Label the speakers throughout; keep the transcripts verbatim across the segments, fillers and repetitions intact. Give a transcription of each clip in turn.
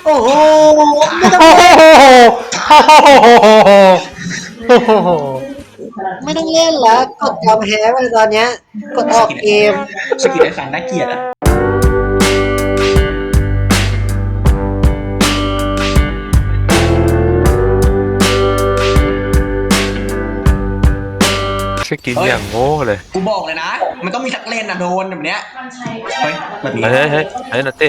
Speaker 1: โอ้โหไม่ต้อง
Speaker 2: โอ้
Speaker 1: เล่น
Speaker 2: โหโอ้โห
Speaker 1: ไม่ต้องเล่นแล้วกดยอมแพ้ไปตอนเนี้ยกดออกเกม
Speaker 3: สกิลไอ้สันน่าเกลียดอ่ะ
Speaker 4: สกินอย่างโง่เลย
Speaker 3: กูบอกเลยนะ มันต้องมีสักเลนอ่ะโดนแบบเนี้ยเฮ้ยแบบนี้
Speaker 4: เฮ้ยเฮ้ยเฮ้ยนัตเต้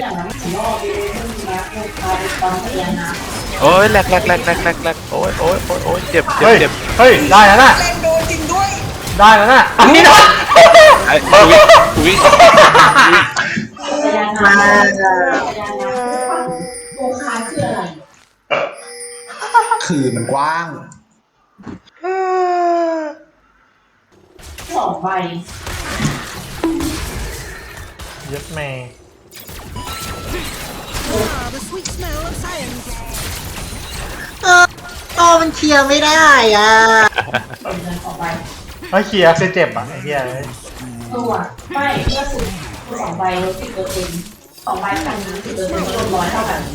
Speaker 4: โอ้ยแหลกแหลกแหลกแหลกแหลกแหลกโอ้ยโอ้ยโอ้ยโอ้ยเจ็บเจ็บ
Speaker 2: เฮ้ย
Speaker 4: เจ็บ
Speaker 2: เฮ้ยได้แล้วน่ะ
Speaker 3: เลนโดนจริงด้วย
Speaker 2: ได้แล้วน่ะอันนี้นะ
Speaker 4: ไอ้คุยคุย
Speaker 1: มา
Speaker 3: คือมันกว้าง
Speaker 5: สองใบ
Speaker 2: ยึดแม่
Speaker 1: เออโตมันเคลียร์ไม่ได้อ่ะ
Speaker 5: เป็นเงินสองใบ
Speaker 2: เฮ้ยเคลียร์เซเจ็บอ่ะไอ้เหี้ย
Speaker 5: ตัวไม่เมื่อสุดสองใบลดสิบเปอร์เซ็นต์สองใบพันสิบเปอร์เซ็นต์รวมร้อยเท่ากัน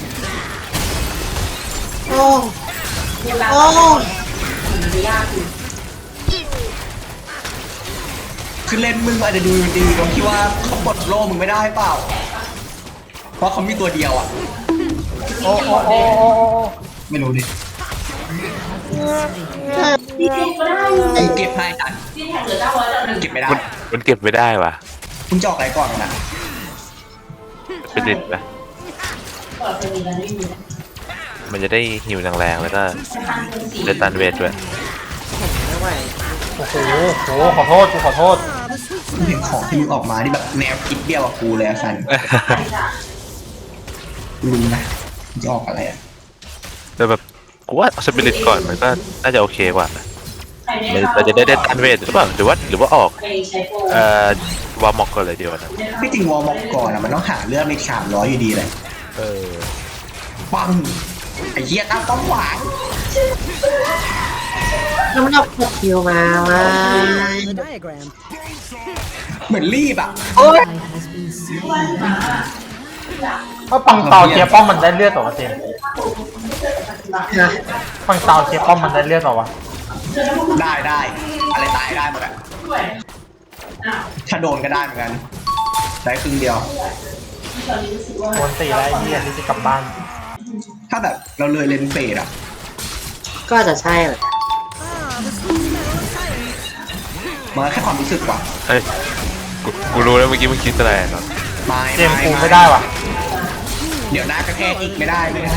Speaker 1: โอ้
Speaker 5: เวลา
Speaker 1: โอ้
Speaker 5: ถึงจะยากคือ
Speaker 3: คือเลนมึงอาจจะดูดีตรงที่ว่าเขาปลดโล่มึงไม่ได้เปล่า เพราะเขามีตัวเดียวอ่ะ
Speaker 2: โอ้โอ้โอ้โอ้
Speaker 3: ไม่รู้ดิ
Speaker 5: ที่เก็บก็ได้
Speaker 3: กูเก็บให้จัน
Speaker 5: ที่แท็กเหลือเก้าร้อยแล้วหนึ่ง
Speaker 3: เก็บไม่ได้
Speaker 4: มันมันเก็บไม่ได้ว่ะ
Speaker 3: คุณจะออกอะไรก่อนนะ
Speaker 4: เป็นดิบนะ
Speaker 5: เปิดเป็นแล้วไม่มี
Speaker 4: มันจะได้หิวแรงๆแล้วก็
Speaker 5: พันเป็นสี่
Speaker 4: ได้ตันเวทด้วย
Speaker 1: ไม่ไหว
Speaker 2: โอ้โหโหขอโทษกูขอโทษ
Speaker 3: กูเห็นของที่มึงออกมาที่แบบแนวคิดเดียวกับกูเลยอะสัน
Speaker 5: ใช่จ้ะ
Speaker 3: กูรู้นะมึงจะออกอะไรอ่ะ
Speaker 4: แต่แบบกูว่าสปิริตก่อนมันก็น่าจะโอเคกว่านะ
Speaker 5: ใครไม่
Speaker 4: มัน
Speaker 5: เข้า
Speaker 4: เราจะได้ได้ตันเวทหรือเปล่าหรือว่าหรือว่าออก
Speaker 5: ไปใช้โปร
Speaker 4: เอ่อวาร์มอกก่อนเลยเดียวนะ
Speaker 3: ที่จริงวอลม็อกก่อนอะมันต้องหาเรื่องในสามร้อยอยู่ดีเลย
Speaker 4: เออ
Speaker 3: ปังไอ้เหี้ยตั้งป้อมหวาง
Speaker 1: แล้วมันเอากดคิวมาว่า
Speaker 3: เหมือนรีบอ่ะ
Speaker 1: โอ้ย
Speaker 2: ว่าปังเตาเคลียร์ป้อมมันได้เลือดต่อวะเจมส์
Speaker 1: นะ
Speaker 2: ปังเตาเคลียร์ป้อมมันได้เลือดต่อวะ
Speaker 3: ได้ได้อะไรตายได้หมดอะถ้าโดนก็ได้เหมือนกันได้ครึ่งเดียว
Speaker 2: โดนตีแล้วไอ้เหี้ยที่จะกลับบ้าน
Speaker 3: ถ้าแบบเราเลยเลนเฟดอ่ะ
Speaker 1: ก็อาจจะใช่แหละ
Speaker 3: มันก็แค่ความรู้สึกว่ะ
Speaker 4: เฮ้ยกูกูรู้แล้วเมื่อกี้มึงคิดอะไรเนาะ
Speaker 3: ไม่
Speaker 2: เจมส์กูไม่ได้ว่ะ
Speaker 3: เดี๋ยวหน้ากระแทกอีกไม่ได้ไม่ได้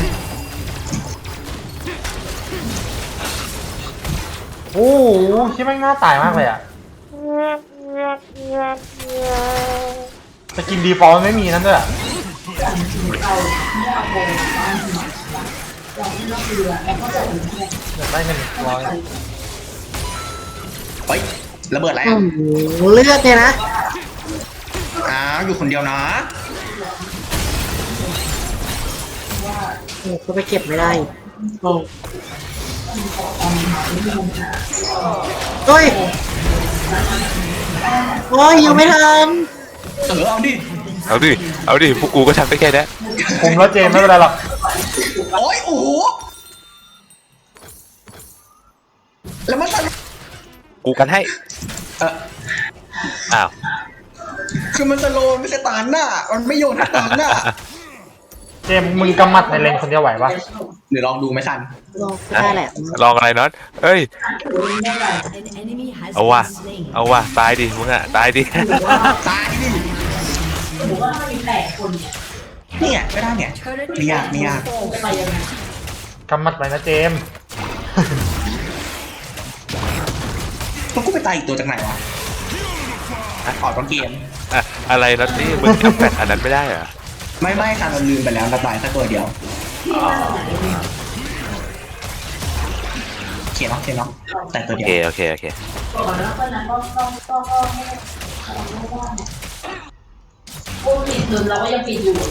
Speaker 2: โอ้โหคิดแม่งน่าตายมากเลยอ่ะจะกินดีฟอลต์ไม่มีนั่นด้วยอะอยากได้เงินร้อย
Speaker 3: เฮ้ยระเบิดอะไร
Speaker 1: โอ้
Speaker 3: อ่ะ
Speaker 1: โหเลือดเนี่ยนะ
Speaker 3: อ้าวอยู่คนเดียวนะ
Speaker 1: โอ้ก็ไปเก็บไม่ได้โอ้เฮ้ยโอ้ยยังไม่ทัน
Speaker 3: เออเอาดิ
Speaker 4: เอาดิเอาดิพวกกูก็ทำได้แค่นี้
Speaker 2: คุมแล้วเจมส์ไม่เป็นไรหรอก
Speaker 3: โอ้ยโอ้โหแล้วมันสนุก
Speaker 4: กูกันให้
Speaker 3: เออ
Speaker 4: อ้าว
Speaker 3: คือมันสโลว์ไม่ใช่ตานหน้ามันไม่โยนให้ตานหน้า
Speaker 2: เจมส์มึงกำมัดในเลนคนเดียวไหวปะ
Speaker 3: หรือลองดูไหมซัน
Speaker 1: ลองก็ได้แหละ
Speaker 4: ลองอะไรน็อตเอ้ยเอาว่ะเอาว่ะตายดิมึงอะตายดิ
Speaker 3: ตายดิ
Speaker 5: หรือว่าถ้ามีแปดคนเนี่ย
Speaker 3: เนี่ยก็ได้เนี่ยไม่ยากไม่ยาก
Speaker 5: โปรไปยังไง
Speaker 2: กำมัดไว้นะเจมส์
Speaker 3: มันก็ไปตายอีกตัวจากไหนวะออกตอนเกม
Speaker 4: อะอะไรน็อตนี่มึงทำแปดอันนั้นไม่ได้เหรอ
Speaker 3: ไม่ไม่ซันเราลืมไปแล้วเราตายแค่ตัวเดียวโอเคเนาะโอเคเนาะแต่ตัว
Speaker 4: โอ
Speaker 3: เดียว
Speaker 4: เคโอเคโอเค
Speaker 5: ก่อนแล้วก็นั้นก็ต้องต้องก็ไม่ไม่ได้เนี่ยโอ้ปิดเงินเราก็ยังปิดอยู่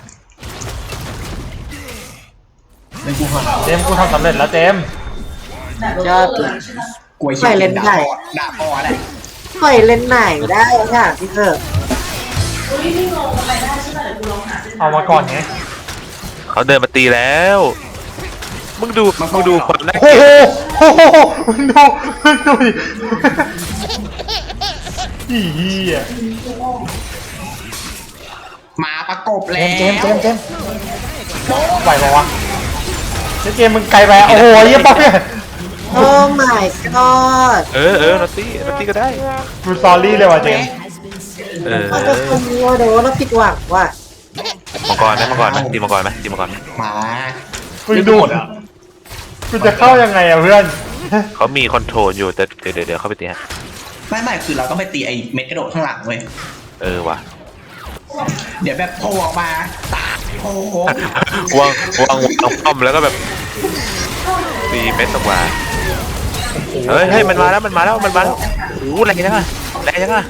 Speaker 3: เป็นกูหัน
Speaker 2: เจมส์กูทำสำเร็จแล้วเจมส์
Speaker 5: แบบ
Speaker 1: ยอด
Speaker 3: กลัวเชี่ยด่าพ่อด่าพ่ออะไร
Speaker 1: ปล่อยเล่นไหนได้ค่ะพี่เถอะ
Speaker 5: อุ้ยพี่งงไปได้ใช่ไหมเดี๋ยวกูลองหา
Speaker 2: เอามาก่อนไง
Speaker 4: เขาเดินมาตีแล้วมึงดูมึงดูความน่า
Speaker 2: โอ้
Speaker 4: เกลีย
Speaker 2: โห
Speaker 4: ด
Speaker 2: โอ้โหมึงดูมึงดูดิอีเหี้ย
Speaker 3: มาประกบ
Speaker 2: เจ
Speaker 3: แล้ว
Speaker 2: มส์เจมส์เจมส์เจมส์ไหวปะวะเจมส์เจมส์มึงไกลไปโอ้โหเยี่ยป๊อปเนี่ย
Speaker 1: โอ้ my god
Speaker 4: เออเออนอตตี้นอตตี้ก็ได้
Speaker 2: ดูสตอรี่เลยว่ะเจมส์
Speaker 4: เออ
Speaker 1: เราจะคนมัวเดี๋ยวเราผิดหวังว่ะ
Speaker 4: มังกรไหมมังกรไหมตีมังกรไหมตีมังกรไหม
Speaker 3: มา
Speaker 2: มึงดูกูจะเข้ายังไงอะเพื่อน
Speaker 4: เขามีคอนโทรลอยู่แต่เดี๋ยวเดี๋ยวเดี๋ยวเข้าไปตีฮะ
Speaker 3: ไม่ไม่คือเราต้องไปตีไอ้เม็ดกระโดดข้างหลังเว้ย
Speaker 4: เออว่ะ
Speaker 3: เดี๋ยวแบบโผล่ออกมาตาโผล่
Speaker 4: วางวางวางป้อมแล้วก็แบบตีเม็ดออกมาเฮ้ยเฮ้ยมันมาแล้วมันมาแล้วมันมาแล้วโอ้โหแรงจังอะแรงจังอะ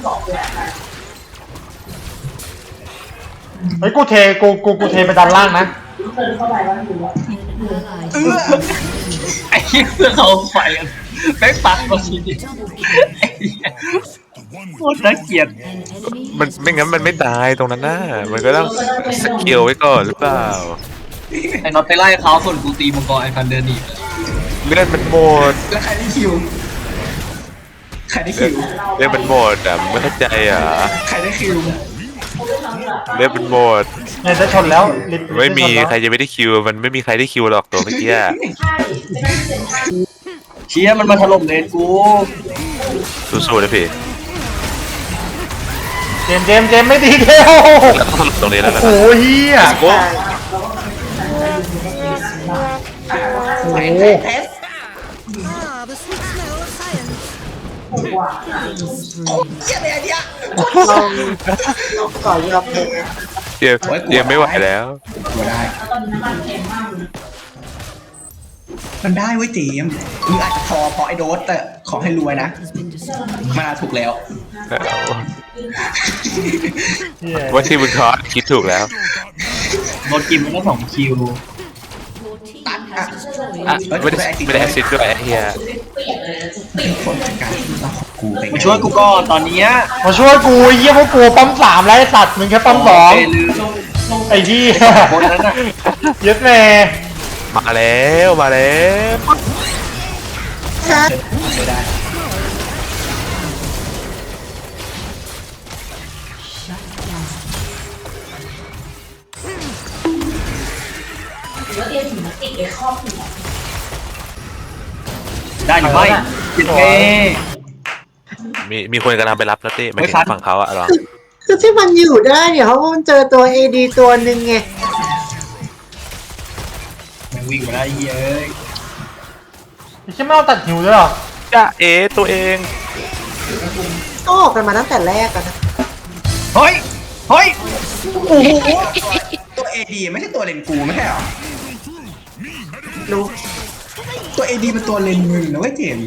Speaker 2: เฮ้ยกูเทกูกูกูเทไปด้านล่างนะ
Speaker 5: เดินเข้าไปว่าอยู่อ่ะ
Speaker 3: เออ
Speaker 6: ไอ้เหี้ยเพื่อนเขาไฟกันแม่งปักมาทีเดียวไอ้เหี้ยโคตรน่าเกลียด
Speaker 4: มันไม่งั้นมันไม่ตายตรงนั้นนะมันก็ต้องสกิลไว้ก่อนหรือเปล่า
Speaker 6: ไอ้น็อตไปไล่เขาส่วนกูตีมังกรไอ้พันเดินหนีไป
Speaker 4: เลือดมันหมด
Speaker 3: แล้วใครได้คิวใครได้คิว
Speaker 4: เลือดมันหมดอ่ะมึงไม่เข้าใจอ่ะ
Speaker 3: ใครได้คิว
Speaker 4: เลือดมันหมด
Speaker 2: เนี่ยจะชนแล้วลิฟต์
Speaker 4: ไม่มี
Speaker 2: จะชนแล้ว
Speaker 4: ใครจะไม่ได้คิวมันไม่มีใครได้คิวหรอกตัวเมื่อกี้อะ
Speaker 6: เชี่ยมันมาถล่มเลนกู
Speaker 4: สู้ๆนะพี่
Speaker 2: เจมส์เจมส์เจมส์ไม่ดีเดียว
Speaker 4: แล้วต้องถล่มตรงนี้แล้วนะ
Speaker 2: โอ้โหเฮีย
Speaker 4: โอ้
Speaker 2: โอ้โห
Speaker 3: เทส
Speaker 7: Ah, the sweet smell of science.
Speaker 3: เชี่ยเลยไอเดีย
Speaker 1: ลองก่อนยอมแพ้
Speaker 4: เดี๋ยวเดี๋ยวไม่ไหวแล้ว
Speaker 3: ตัวได้
Speaker 5: ตอนนี้น้ำมันแพงมากเลย
Speaker 3: มันได้เว้ยเจมส์มึงอาจจะพอพอไอโดสแต่ขอให้รวยนะมาถูกแล้ว
Speaker 2: เฮีย
Speaker 4: ว่าที่มึงทอดคิดถูกแล้ว
Speaker 6: โดนกินมันก็สองคิว
Speaker 3: ตัดอ่ะ
Speaker 4: อ่ะไม่ได้ไม่ได้แอสซิดด้วยไอ้เฮีย
Speaker 3: คนจัดการต้องขอบกูไป
Speaker 6: มาช่วยกูก่อนตอนเนี้ย
Speaker 2: มาช่วยกูไอ้เยี่ยพวกกูปั๊มสามแล้วไอ้สัตว์มึงแค่ปั๊มสอง
Speaker 6: เยลืม
Speaker 2: ไอ้ที่
Speaker 6: คนนั้นน่ะ
Speaker 2: เย็ดแม่
Speaker 4: มาแล้วมาแล้ว
Speaker 3: ไม่ได้
Speaker 5: หรือว่าเรียนถึงติดไอ้ข้อหัว
Speaker 6: ได้หรือไม่ติดเง่
Speaker 4: มีมีคนกำลังไปรับนะเต้ไม่
Speaker 6: ไม่
Speaker 4: ถึ
Speaker 6: ทัน
Speaker 4: งฝั่งเขาอะหรอ
Speaker 1: คือที่มันอยู่ได้เนี่ยเพราะว่ามันเจอตัว เอ ดี ตัวหนึ่งไง
Speaker 6: มันวิ่งมาได้เหี้ยเอ้ย
Speaker 2: ไอ้เชี่ยไม่เอาตัดหิวด้วยเหรอ
Speaker 4: จ้าเอตัวเอง
Speaker 1: ก็ออกกันมาตั้งแต่แรกอะนะ
Speaker 6: เฮ้ยเฮ้ย
Speaker 3: โอ้โหตัวเอดีไม่ใช่ตัวเลนกูไม่ใช่หรอ
Speaker 1: รู้
Speaker 3: ตัวเอดีเป็นตัวเลนมึงนะเว้ยเจมส์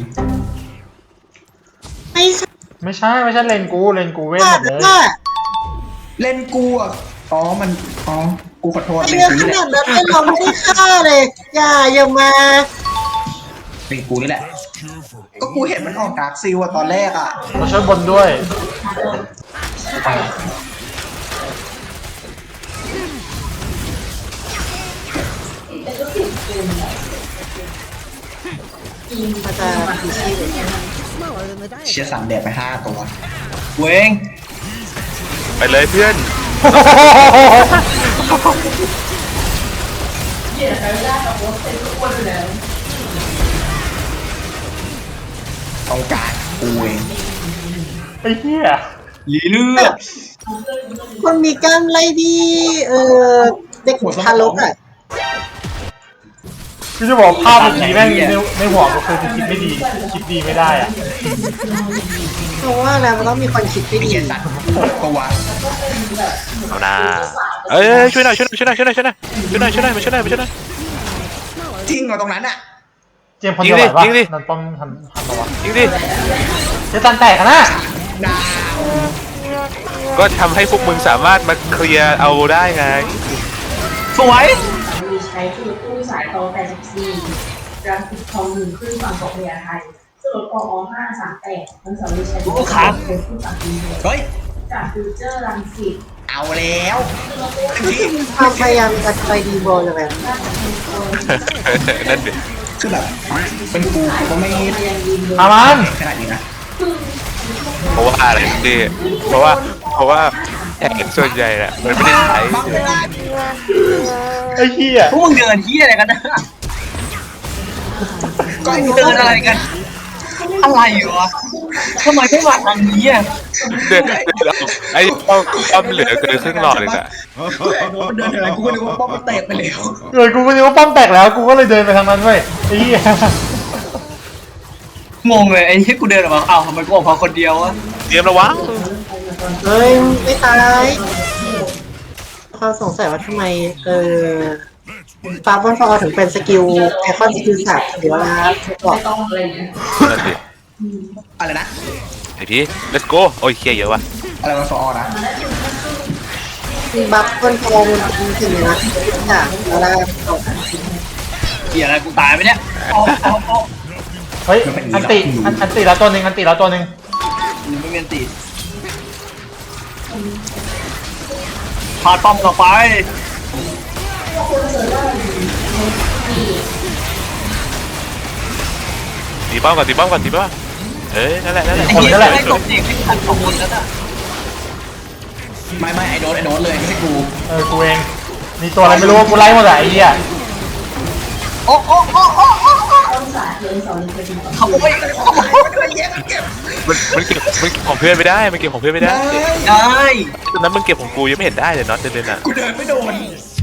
Speaker 1: ไม่ใช่
Speaker 2: ไม่ใช่ไม่ใช่เลนกูเลนกูเว้น
Speaker 1: ว่า
Speaker 2: หมดเลย
Speaker 1: ว่า
Speaker 3: เลนกูอ่ะอ๋อมันอ๋อกูขอโทษ
Speaker 1: ไอ
Speaker 3: เลน
Speaker 1: เรื่อง
Speaker 3: กู
Speaker 1: ข
Speaker 3: นี่แห
Speaker 1: นา
Speaker 3: ละ
Speaker 1: ดนั้นไอ้เราไม่ได้ฆ่าเลย อย่าอย่ามา
Speaker 3: เลนกูนี่แหละ ก็กูเห็นมันออกดาร์กซิลอะตอนแรกอะ
Speaker 2: มาช่วยบนด้วย
Speaker 1: มันจะผีชีพเลย
Speaker 7: Smaller than the diet.
Speaker 3: เชียร์สามแดดไปห้าตัว
Speaker 6: เวง
Speaker 4: ไปเลยเพื่อน
Speaker 5: เดี๋ยวใช้เวลากับโอ๊ตเป็นทุกคนเลย
Speaker 3: ต้องการกูเอง
Speaker 2: ไอ้เหี้ย
Speaker 6: ลีเลือด
Speaker 1: คนมีกล้ามไล่ที่เออเด็กทารกอ่ะ
Speaker 2: คือจะบอกภาพเมื่อกี้แม่งในในหัวก็คือคิดไม่ดีคิดดีไม่ได้อะ
Speaker 1: เพราะว่าแล้วมันต้องมีคนคิดไม่
Speaker 3: ไอ้
Speaker 1: ดี
Speaker 3: เหี้ยสัตว์หกตัว
Speaker 4: เอาหน้าเอ้ยช่วยหน่อยช่วยหน่อยช่วยหน่อยช่วยหน่อยช่วยหน่อยช่วยหน่อยช่วยหน่อยมาช่วยหน่อยมาช่วยหน่อย
Speaker 3: จริงเหรอตรงนั้นอะ
Speaker 2: เจมส์คนเดียวไหวปะ
Speaker 4: ยิงดิ
Speaker 2: นั่นป้อมทันทันปะวะ
Speaker 4: จริงดิ
Speaker 2: เจะตันแตกอะนะ
Speaker 3: ดาว
Speaker 4: ก็ทำให้พวกมึงสามารถมาเคลียร์เอาได้ไง
Speaker 6: สวย
Speaker 5: มีใช้คือตู้สายโตแปดสิบสี่รังสิตทองหนึ่งขึ้นฝั่งเกาะพญาไทสรุปออห้าสามแปดมันสามารถใช้เป็นขึ้นฝั่งจีน
Speaker 3: เฮ้ย
Speaker 5: จากฟิวเจอร์รังสิต
Speaker 3: เอาแล้วพี่
Speaker 1: ความพยายามจะไปดีโบเลยแบบ
Speaker 4: นั่นดิ
Speaker 3: คือแบบเป็นกูกูก็ไม่
Speaker 2: อามัน
Speaker 3: ขนาดนี้นะ
Speaker 4: เพราะว่าอะไรดิเพราะว่าเพราะว่าแข่งส่วนใหญ่แหละมันไม่ได้ใช้
Speaker 3: บังไม่ได้
Speaker 2: ไอ้เหี้ย
Speaker 6: พวกมึงเดินที่อะไรกันนะ
Speaker 3: ก็ไอ้
Speaker 6: เดินอะไรกัน อะไรวะทำไมไม่มาทางนี้อ่ะ
Speaker 4: เดินเดินเอาไอ้ป้อมป้อมเหลือเกินครึ่งหลอดเลยอะ
Speaker 3: เดินอะไรกูก็นึกว่าป้อมมันเตะไปแล้ว
Speaker 2: เออกูก็นึกว่าป้อมแตกแล้วกูก็เลยเดินไปทางนั้นเว้ยไอ้เหี้ย
Speaker 6: งงเลยไอ้ที่กูเดินออกมาอ้าวทำไมกูออกมาคนเดียววะ
Speaker 4: เตรียมระวัง
Speaker 1: เฮ้ยไม่ตายความสงสัยว่าทำไมเออฟาบอนฟอถึงเป็นสกิลไอคอนสกิลสับหรือว่าบอก
Speaker 5: ต้องอะไรอย่างเงี้ย
Speaker 4: นั่นดิ
Speaker 3: อะไรนะ
Speaker 4: ไอ้พี่ let's go โอ้ยเคลียร์เยอะว่ะ
Speaker 3: อะไรมาฟอร์นะ
Speaker 1: บัฟบอนฟอมันเป็นสิ่งเลยนะค่ะแล้ว
Speaker 6: เหี้ยอะไรกูตายไหมเนี่ยเอาเอาเอา
Speaker 2: เฮ้ยอันติอันอันติแล้วตัวหนึ่งอันติแล้วตัวหนึ่ง
Speaker 6: กูไม่เมียนตีพาต้อมต่อไป
Speaker 4: ตีป้อมก่อนตีป้อมก่อนตีป้อมเอ้ยนั่นแหละนั่นแหละ
Speaker 6: ไอ้เหี้ยได้กดเด็กให้ทันสองคนแล้วน่ะ
Speaker 3: ไม่ไม่ไอโดนไอโดนเลยไม่ใช่กู
Speaker 2: เออกูเองมีตัวอะไรไม่รู้กูไล่หมดอะไอ้เหี้ย
Speaker 6: โอ้โอ้โอ้โอ้โอ้
Speaker 5: ต้องสาดเลยสอนเลยเป็น
Speaker 6: ขโมยขโมย
Speaker 4: มันมันเก็บมันเก็บของเพื่อนไม่ได้มันเก็บของเพื่อนไม่ได้
Speaker 6: ได้
Speaker 4: ตอนนั้นมึงเก็บของกูยังไม่เห็นได้เลยเนาะเดินๆอ่ะ
Speaker 3: กูเดินไม่โดน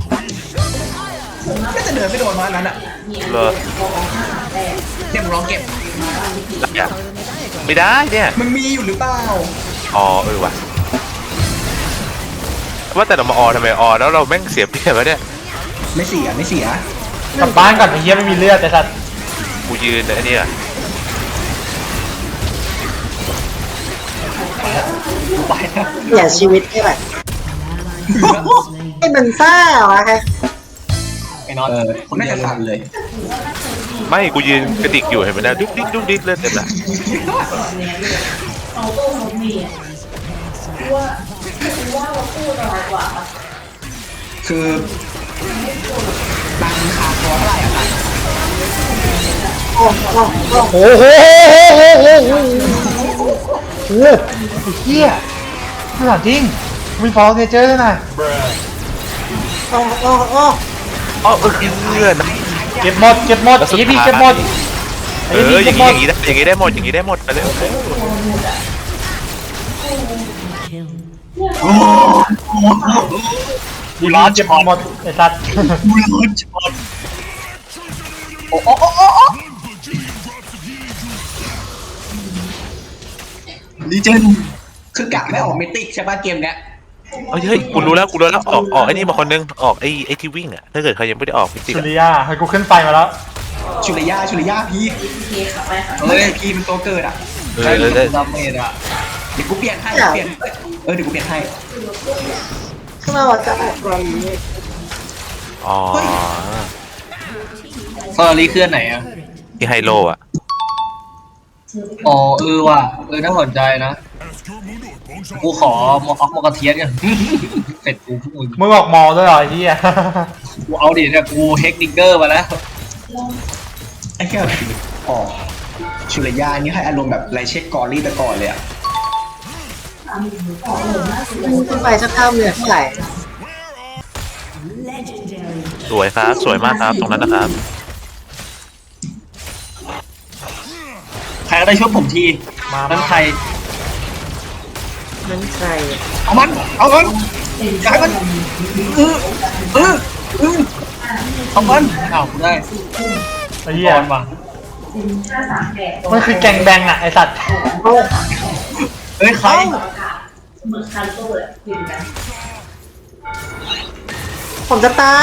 Speaker 3: ก็จะเดินไม่โดนมาอันนั้นอ่ะ
Speaker 4: เหรอ
Speaker 3: เดี๋ยวมึงลองเก็บ
Speaker 4: ได้อะไม่ได้เนี่ย
Speaker 3: มันมีอยู่หรือเปล่า
Speaker 4: อ๋อเออว่ะว่าแต่เรามาออทำไมออแล้วเราแม่งเสียเปรียบวะเนี่ย
Speaker 3: ไม่เสียไม่เสีย
Speaker 2: กลับบ้านก่อนไอ้เหี้ยไม่มีเลือดแต่สัตว์
Speaker 4: กูยืนไอ้นี่อะ
Speaker 6: ไปนะ
Speaker 1: เสียชีวิตให้แบบให้มันซ่าวะฮะ
Speaker 6: ไอ้น็อต
Speaker 3: เออ
Speaker 6: คน
Speaker 3: ไม่
Speaker 6: เดียว
Speaker 3: จะสั่นเลย
Speaker 4: ไม่กูยืนกระดิกอยู่เห็นไหมนะดุ๊กดิ๊กดุ๊กดิ๊กเลือดเต็มละ
Speaker 5: เขาโต้เขาเมียว่าว่าเราพูดอะไรกว่า
Speaker 3: คือตังค์ขาดตัวเท่าไหร่อะครับ
Speaker 1: โอ้โอ้โอ้
Speaker 2: โอ้โหโอ้โหโอ้โหโอ้โหโอ้โหไอ้เหี้ยขนาดจริงมีฟอลเนเจอร์ด้วยนะ
Speaker 1: โอ้โอ้โอ้
Speaker 4: อ๋อเออกินเลือดนะ
Speaker 2: เก็บหมดเก็บหมด
Speaker 4: แล้วสุด
Speaker 2: ไอ้พี่
Speaker 4: ท้าย
Speaker 2: เก็บหมด
Speaker 4: เอ
Speaker 2: ไอ้
Speaker 4: อ
Speaker 2: พี่
Speaker 4: อ
Speaker 2: เก็
Speaker 4: ย่า
Speaker 2: บ
Speaker 4: ง
Speaker 2: หม
Speaker 4: นี้
Speaker 2: ด
Speaker 4: อย่างนี้ได้อย่างนี้ได้หมดอย่างนี้ได้หมดไปเลย
Speaker 6: โอ้กูร้อน
Speaker 2: เก็บ
Speaker 6: ช็อต
Speaker 2: หมดไอ้สัตว์
Speaker 6: กูร้อนช็อตโอ้โอ้โอ้โอ้โอ้ลีเจน
Speaker 3: คือกะไม่ออกเมติกใช่ป่ะเกมเนี้ย
Speaker 4: เฮ้ยเฮ้ยกูรู้แล้วกูรู้แล้วออกออกไอ้นี่มาคนนึงออกไอ้ไอ้ที่วิ่งอ่ะถ้าเกิดใครยังไม่ได้ออกจริง
Speaker 2: สุ
Speaker 4: ๆ
Speaker 2: ริยาให้กูขึ้นไฟมาแล้ว
Speaker 3: ชุริยาชุริยาพี่
Speaker 5: เคขับไปค่ะ
Speaker 3: เฮ้ยพี่เป็นตัวเกิดอ่ะ
Speaker 4: เออเออเออ
Speaker 6: ดาเมจอะ
Speaker 3: เดี๋ยวกูเปลี่ยนให้เดี๋ยวเปลี่ยนเออเดี๋ยวกูเปลี่ยนให้
Speaker 1: ขึ้นมาว่าจะออกตอนนี้
Speaker 4: อ๋อ
Speaker 6: เฟอร์รี่เคลื่อนไหนอะ
Speaker 4: ที่ไฮโลอ่ะ
Speaker 6: อ๋อเออว่ะเออน่าสนใจนะกูขอมออฟมอกระเทียนกันเสร็จกูพวกมึง
Speaker 2: มึงออกมอด้วยเหรอไอ้เหี้ย
Speaker 6: กูเอาดิเนี่ยกูเฮกนิกเกอร์มาแล้ว
Speaker 3: ไอ้แค่ออกชุริยานี่ให้อารมณ์แบบไรเช็คกอรี่แต่ก่อนเลยอ่ะ
Speaker 1: ขึ้นไปสักข้ามเลยเท่าไหร่
Speaker 4: สวยครับสวยมากครับตรงนั้นนะครับ
Speaker 6: ใครก็ได้ช่วยผมที
Speaker 2: มา
Speaker 6: นั้นใคร
Speaker 1: นั่นใคร
Speaker 6: เอามัน เอามันอย่าให้มันเออเออเออเอามันอ้าวกูได้
Speaker 2: ไอ้เหี้ย
Speaker 6: บอลว่ะ
Speaker 5: ห้าสามแปด
Speaker 2: มันคือแกงแบงอะไอ้สัตว์
Speaker 1: โอ้
Speaker 6: เอ้ยใคร
Speaker 5: เหมือนคันโต้เลยยืนกัน
Speaker 1: ผมจะตาย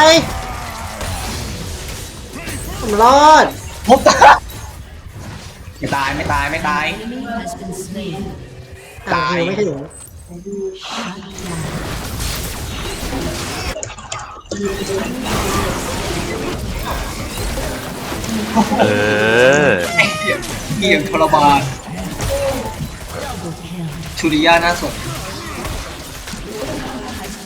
Speaker 1: ผมรอด
Speaker 6: พบตา
Speaker 3: ไม่ตายไม่ตายไม่ตาย
Speaker 1: อ่าฮิวไม่ถึง
Speaker 4: เออ
Speaker 6: ไอ้เหี้ยเกียงทรมานชูริยาน่าสน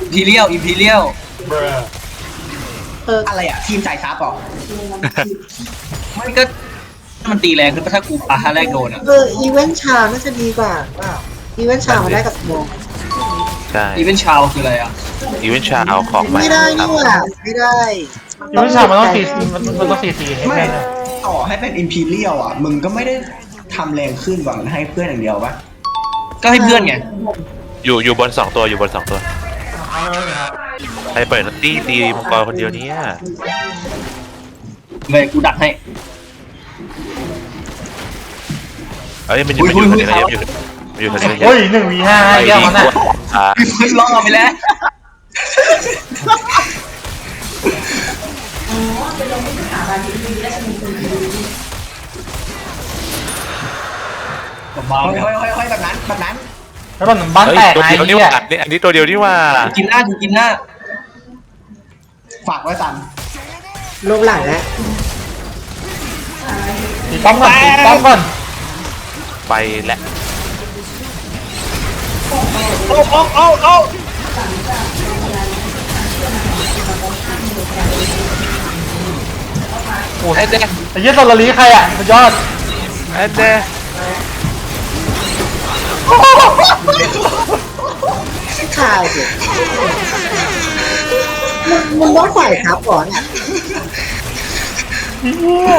Speaker 6: พีเรียลอิมพีเรียล
Speaker 1: เออ
Speaker 3: อะไรอ่ะทีมสายซับเหรอ
Speaker 6: มันก็มันตีแรงขึ้นถ้ากูปาท่าแรกโดนอ่ะ
Speaker 1: เอออีเวนต์ชาน่าจะดีกว่าเปล่าอีเวนต์ชามาได้กับสมอง
Speaker 4: ใช่
Speaker 6: อีเวนต์ชาวคืออะไรอ่ะ
Speaker 4: อีเวนต์ชาเอาของใหม่
Speaker 1: ไม่ได้นี่หว่าไม่ได้
Speaker 2: ยูนิชามันต้องสี่มันมันต้องสี่สี่ให้
Speaker 3: ไม่
Speaker 2: แม่นนะ
Speaker 3: ต่อให้เป็นอิมพีเรียลอ่ะมึงก็ไม่ได้ทำแรงขึ้นหวังให้เพื่อนอย่างเดียวปะ
Speaker 6: ก็ให้เพื่อนไง
Speaker 4: อยู่อยู่บนสองตัวอยู่บนสองตัวใครเปิดนัตตี้ตีมังกรคนเดียวเนี้ย
Speaker 6: เลยกูดักให้
Speaker 4: เอ้ยมันอยู่มันอยู่ทะเลมันอยู่มันอยู่ทะเล
Speaker 2: โอ้ยหนึ่งวีห้า
Speaker 4: ไป
Speaker 2: แก้ว
Speaker 4: ดี
Speaker 2: มัน
Speaker 4: ก
Speaker 2: น่ะ
Speaker 4: ว่าอ่า
Speaker 6: คือล่อไปแล้วเบา
Speaker 3: เฮ้ยเฮ้ยเฮ้ยเฮ้ยแบบนั้นแบบนั้น
Speaker 2: แล้วมันบ้าน
Speaker 4: เฮ้ย
Speaker 2: แตก
Speaker 4: ตัว
Speaker 2: ไง
Speaker 4: เดียวนี่
Speaker 2: เนี่
Speaker 4: ว่าย อันนี้ตัวเดียวนี่ว่า
Speaker 6: ๆกินหน้ากูกินหน้า
Speaker 3: ฝากไว้สัน
Speaker 1: รูปหลังแล้ว
Speaker 2: ตีป้อมก่อนตีป้อมก่อน
Speaker 4: ไปและ
Speaker 6: โอ้โอ้โอ้โอ้
Speaker 2: โอ้ยไอ้เจ๊ไอ้เหี้ยโซลารีใครอ่ะสุดยอด
Speaker 4: แอนเด
Speaker 1: ชายสิมันมันต้องใส่ครับก่อนเนี่ย
Speaker 2: เหี้ย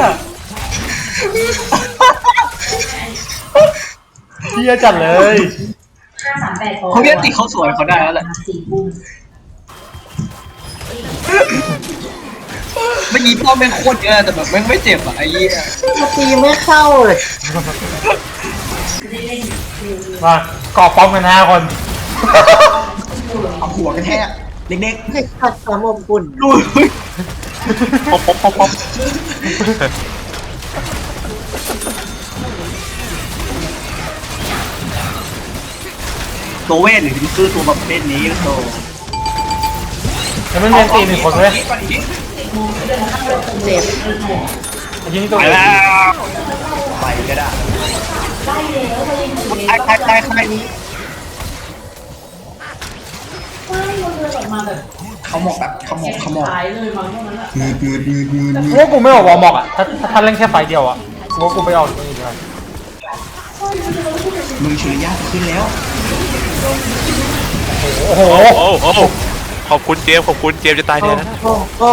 Speaker 2: เหี้ยจัดเลย
Speaker 5: ห้าสามแปด
Speaker 6: เขาเรียกติเขาสวยเขาได้แล้วแหละ
Speaker 5: สี่ทุ่ม
Speaker 6: เมื่อกี้ป้อมแม่งโคตรเยอะแต่แบบแม่งไม่เจ็บอ่ะไอ้เหี้ย
Speaker 1: มาตีไม่เข้าเลย
Speaker 2: มากอบป้อมกันห้าคน
Speaker 3: เอาหัวกระแทกเด็ก
Speaker 1: ให้ขัดความอบอุ่น
Speaker 6: ดู
Speaker 2: ป๊อปป๊อปป๊อปป๊อป
Speaker 6: ตัวเวทหรือคือตัวประเภทนี้โต
Speaker 2: แล้วมันเรียนตีหนึ่งคนเลย
Speaker 3: ๆก่อนอีก
Speaker 1: เจ็บ
Speaker 2: ไอ้ยี่นี่ตัว
Speaker 6: ไป
Speaker 2: เอง
Speaker 6: แล้ว
Speaker 3: ไปก็ได้
Speaker 6: ใครใครใครใคร
Speaker 5: ไม่มันเดินออกมาแบบ
Speaker 3: เขาหมอกแบบเขาหมอกเขาหมอก
Speaker 5: หายเลยมั้งตรงนั้นอะ
Speaker 3: งืดงืดงืดงืดงื
Speaker 2: กู
Speaker 3: ด
Speaker 2: ว่ากูไม่ออกวอร์มอกอ่ะ ถ้าถ้าท่านเล่นแค่ไฟเดียวอ่ะกูว่ากูไปออกตรงนี้ดีกว่า
Speaker 3: มึงชุริยะขึ้นแล้ว
Speaker 2: โอ้โห
Speaker 4: โอ้โอ้ขอบคุณเจมส์ขอบคุณเจมส์จะตาย
Speaker 1: โอ้
Speaker 4: แทนนะ
Speaker 1: โอ้โอ้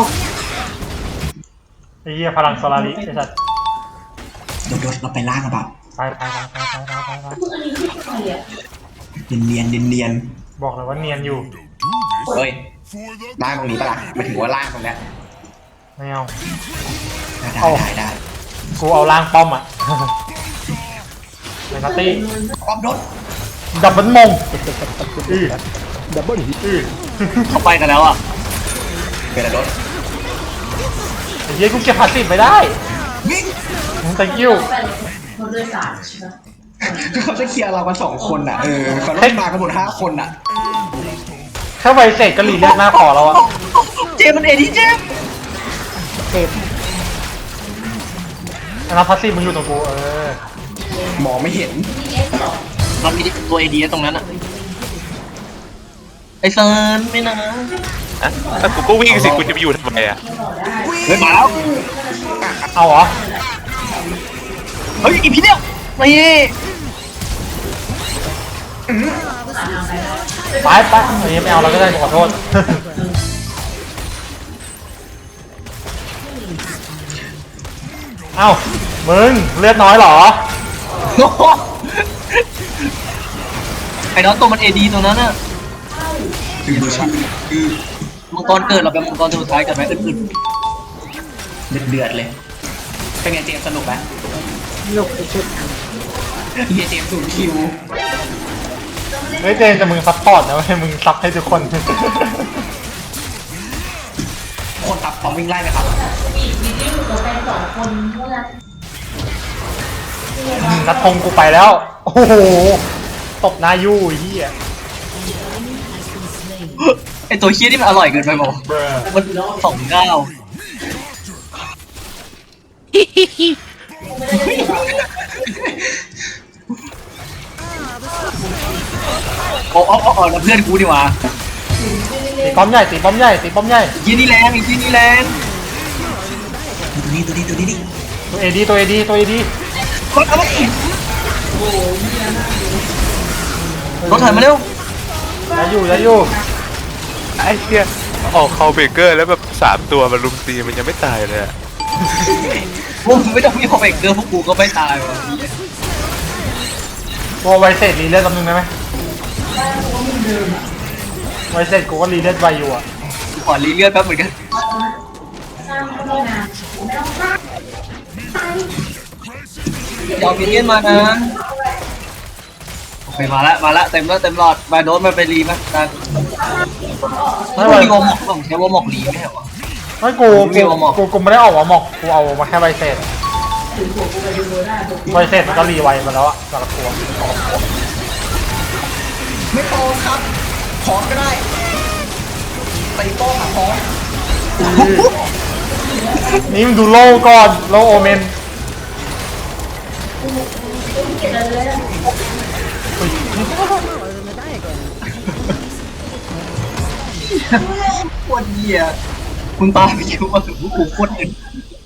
Speaker 2: ไอ้เหี้ยพลังโซลาริไอ้สัส
Speaker 3: โดดๆเราไปล่างกันเปล่า
Speaker 2: ไปไปไปไปไปไปไปไป
Speaker 5: อันนี้คือใครอ่ะ
Speaker 3: เนียนเนียนเนียนเนียน
Speaker 2: บอกเลยว่าเนียนอยู่
Speaker 3: ๆเฮ้ยล่างตรงนี้ปะล่ะหมายถึงว่าล่างตรงเนี้ย
Speaker 2: ไม่เอา
Speaker 3: ได้
Speaker 2: เอา
Speaker 3: ได้ได้
Speaker 2: กูเอาล่างป้อมอ่ะ ในนัตตี้
Speaker 3: ป้อมโดด
Speaker 2: ดับเบิลมงอือดับเบิลอือ
Speaker 6: เขาไปกันแล้วอ่ะ
Speaker 3: เป็นอะไรโดด
Speaker 2: ไอ้เหี้ยกูเก็บพาสซีฟไม่ได้
Speaker 3: วิ่ง
Speaker 2: มึง thank you
Speaker 5: เขาด้วยสารใช่ไหม
Speaker 3: เขาจะเคลียร์เรากันสองคนอ่ะเออเขาต้องมากันหมดห้าคนอ่ะ
Speaker 2: แค่ไวเสกก็รีเลือดหน้าขอแล้วอ่ะ
Speaker 6: เจมมันเอดีเจม
Speaker 1: เจ็บ
Speaker 2: อันนั้นพาสซีฟมึงอยู่ตรงกูเออ
Speaker 3: มองไม่เห็น
Speaker 6: เรามีตัวเอดีตรงนั้นอ่ะไอเซิร์นไม่นะ
Speaker 4: อะถ้ากูก็วิ่งสิกูจะไปอยู่ทำไมอ่ะ
Speaker 6: เฮ้ยมาแล้ว
Speaker 2: เอาเหรอ
Speaker 6: เฮ้ยอีพีเดียวนี่
Speaker 2: ไปไปไอ้เหี้ยไม่เอาเราก็ได้ขอโทษ เอ้ามึงเลือดน้อยเหรอ
Speaker 6: โอ้โหไอ้น้องตัวมันเอดีตรงนั้นอ่ะ
Speaker 3: คือมือชื่อคือ
Speaker 6: มังกรเกิดเราเป็นมังกรตัวสุดท้ายกันไหมอึด
Speaker 3: เดือดเดือดเลยเป็นไงเจมส์สนุกไหม
Speaker 1: หนุกไปชุด
Speaker 3: เฮียเจมส์สูงคิว
Speaker 2: เฮ้ยเจนแต่มึงซัพพอร์ตนะเว้ยมึงซับให้ทุกคน
Speaker 3: คนตับพร้อมวิ่งไล่ไหมครับ
Speaker 5: มีมีที่อยู่กับแฟนสองคนเท่านั้น
Speaker 2: นัดทงกูไปแล้ว โอ้โห ตบหน้ายู่ไอ้เหี้ย
Speaker 6: ๆไอตัวเคี้ยนี่มันอร่อยเกินไปบอกมันสองเก้าโอ้โอ้โอ้แล้วเพื่อนกูดีกว่า
Speaker 2: ป้อมใหญ่ตีป้อมใหญ่ตีป้อมใหญ่
Speaker 6: ยี่นี่แรงอีกยี่นี่แรง
Speaker 3: ตัวนี้ตัวนี้ตัวนี้ดิ
Speaker 2: ตัวเอดีตัวเอดีตัวเอดี
Speaker 6: รถเอามาอีกรถถอยมาเร็ว
Speaker 2: ได้อยู่ได้อยู่
Speaker 4: ไอ้เหี้ยออกคาเบเกอร์แล้วแบบสามตัวมันลุมตีมันยังไม่ตายเลยอะ
Speaker 6: มึงไม่ต้องมีคอมเมกเกอร์พวกกูก็ไม่ตายวะ
Speaker 2: ตัวไวเซตรีเลือดตำนึงได้ไหมไวเซตกูก็รีเลือดไวอยู่อ่ะ
Speaker 6: กูขอรีเลือดแป๊บเหมือนกันยอมมินเนี่ยนมานะโอเคมาละมาละเต็มแล้วเต็มหลอดมาโดนมันไปรีมั้ยตา
Speaker 2: ไม่
Speaker 6: ไม่
Speaker 2: ไหว
Speaker 6: มีวอมอกต้องใช้วอมอกรีไม่ใช่เหรอ
Speaker 2: ไม่กูกูกูกูไม่ได้ออกมาหมอกกูเอามาแค่ไวเซตไวเซตมันก็รีไวมาแล้วอะสำหรับตัว
Speaker 3: ไม่โตครับขอก็ได้ตีโป้งอะขอ
Speaker 2: นี่มึงดูโลก่อนโลโอเมน
Speaker 7: Smaller than the diagram.
Speaker 6: โคตรเหี้ยมึงตายไปเยอะมากถึงพวกกูโคตรเงิน